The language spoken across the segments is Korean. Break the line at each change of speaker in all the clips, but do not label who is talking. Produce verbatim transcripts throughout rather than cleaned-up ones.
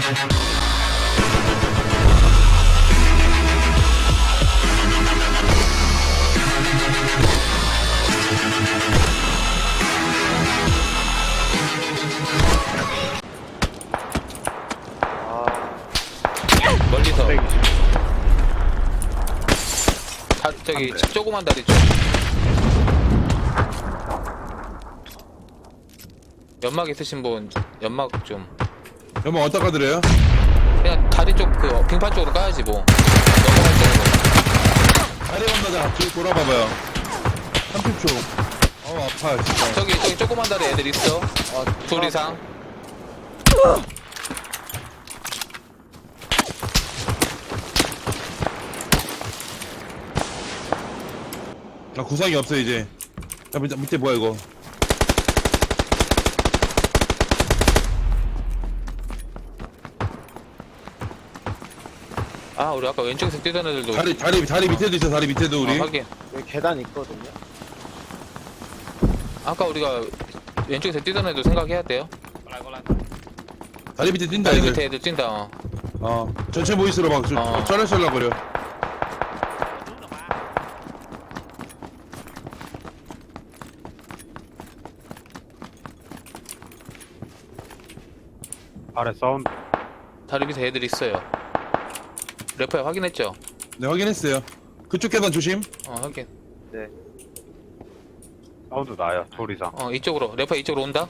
멀리서 다, 저기 조그만 다리 쪽 연막 있으신 분 연막 좀
연막 어디다 까드려요?
그냥 다리 쪽 그 빙판 쪽으로 까야지 뭐 넘어갈 때는
다리 건너자 뒤로 돌아봐봐요. 삼십 초. 어 아파 진짜.
저기 저기 조그만 다리 애들 있어 어, 둘 이상
나 구상이 없어 이제. 야 밑에, 밑에 뭐야 이거?
아 우리 아까 왼쪽에서 뛰던 애들도
다리 다리 다리 밑에도 있어. 다리 밑에도 우리.
어, 확인
여기 계단 있거든요.
아까 우리가 왼쪽에서 뛰던 애들 생각해야 돼요
다리 밑에 뛴다
다리
애들.
밑에 애들 뛴다 어.
어 전체 보이스로 막
어.
쩔쩔거려.
아래 사운드.
다리 밑에 애들 있어요 래퍼야 확인했죠?
네 확인했어요. 그쪽 계단 조심.
어 확인
네.
사운드 나야. 둘 이상.
어 이쪽으로 래퍼야 이쪽으로 온다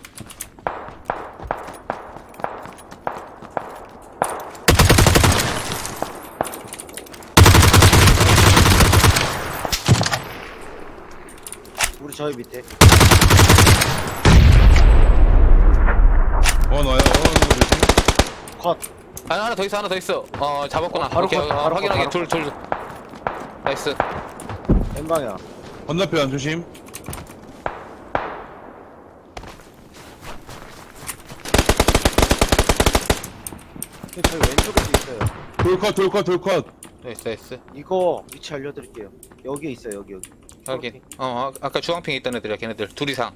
우리 저희 밑에.
원 와요. 원 조심.
컷.
아 하나 더 있어 하나 더 있어 어 잡았구나
어, 바로
오케이
컷,
어,
바로
확인
컷,
확인
바로
둘둘 나이스
왼방향.
건너편 조심.
저희 왼쪽에도 있어요.
돌컷 돌컷 돌컷.
나이스 나이스
이거 위치 알려드릴게요. 여기에 있어요. 여기 여기.
확인 어 아, 아까 주황핑에 있던 애들이야 걔네들 둘 이상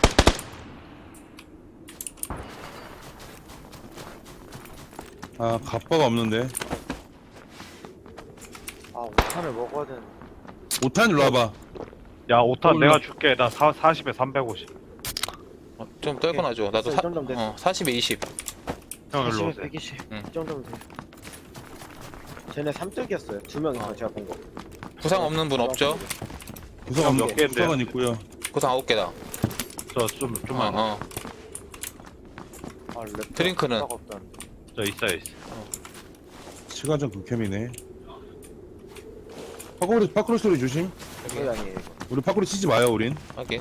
아 갑바가 없는데.
아 오탄을 먹어야 되는.
오탄 일로 와봐.
야, 오탄
올라.
내가 줄게. 나 사, 사십에 삼백오십.
어, 좀 떨궈놔줘 나도
이
사,
정도면 돼.
어, 사십에 이십
형, 일로
백이십,
오세요.
백이십.
응.
이 정도면 돼. 쟤네 삼뚝이었어요. 두 명이서
어.
제가 본 거.
구상 없는 분 없죠?
구상
몇
없는
개인데?
구상은 있고요.
구상 아홉 개다
저, 좀, 좀만.
어, 어.
아, 랩
드링크는?
없다는데.
저 있어요, 있어.
시간전 극혐이네. 파쿠리 파쿠리 소리 조심.
저희 아니에요. 이거.
우리 파쿠리 치지 마요 우린.
확인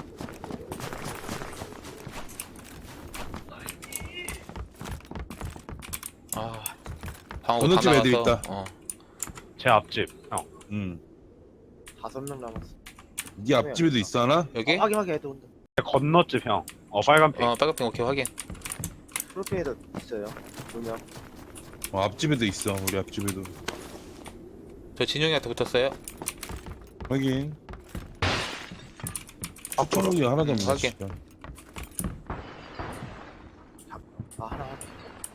아 방어 다
건너집에 애들
나가서
있다.
어.
제 앞집. 형.
음.
다섯 명 남았어.
네 앞집에도 있어 하나?
여기?
어, 확인 확인 애들 온다.
건너집, 형. 어, 빨간 핑.
어 빨간핑 오케이 확인
프로페이도 있어요. 두 명.
어 앞집에도 있어. 우리 앞집에도.
저 진용이한테 붙었어요
확인. 초록이 하나도 없네.
확인.
진짜.
아 하나 확인.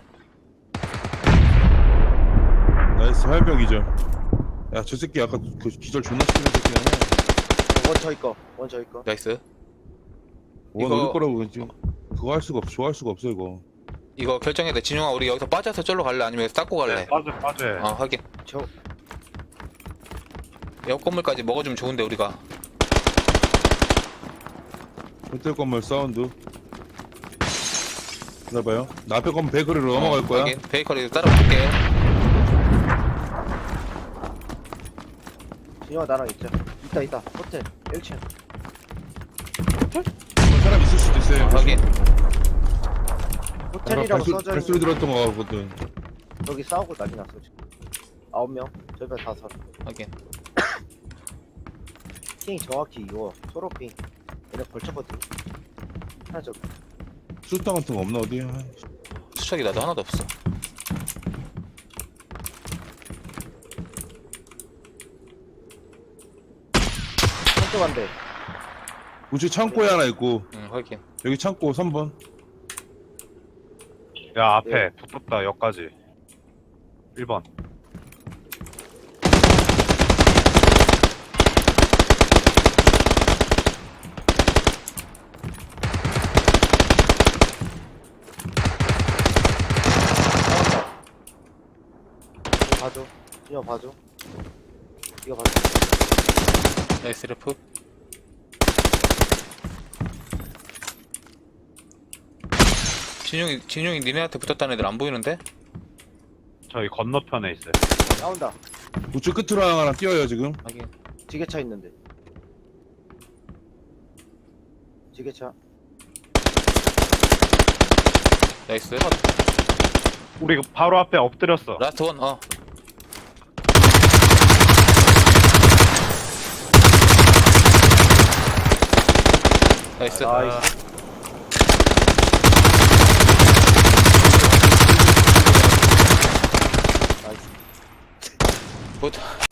나이스 화염병이죠. 야 저 새끼 아까 그 기절 존나 시키는 새끼네.
원 저희 거. 원 저희 거.
나이스
원
이거-
어디 거라고 지금 그거 할 수가 없어. 좋아할 수가 없어 이거.
이거 결정해야 돼 진용아 우리 여기서 빠져서 절로 갈래 아니면 여기서 닦고 갈래
네, 빠져, 빠져.
어 확인
저
옆 건물까지 먹어주면 좋은데 우리가
호텔 건물 사운드. 기다려봐요. 나 앞에 건물 베이커리로 넘어갈 거야.
확인 베이커리 따라붙을게
진영아 나랑 있자. 있다 있다. 호텔 일 층.
사람 있을 수도 있어요.
어, 확인
호텔이라고
발소,
써져
발소리
있는.
들었던 거 같거든.
여기 싸우고 난리 났어 지금. 아홉 명. 저희가 다섯.
확인
핑이 정확히 이거 초록핑. 얘네 걸쳤거든. 하나 저
수류탄 같은 거 없나 어디? 아이,
수척이 나도 하나도 없어
한쪽 한 대.
우측 창고에 하나 있고
응 확인
여기 창고 삼 번.
야, 앞에
네.
붙었다, 여기까지. 일 번.
이거 봐줘. 준영 봐줘. 이거 봐줘.
나이스 레프. 진용이 진용이 니네한테 붙었다는 애들 안 보이는데?
저희 건너편에 있어요.
나온다.
우측 끝으로 하나 뛰어요 지금.
하긴.
지게차 있는데. 지게차.
나이스.
우리 그 바로 앞에 엎드렸어.
라스트 원. 어. 나이스.
나이스. 나이스.
굿.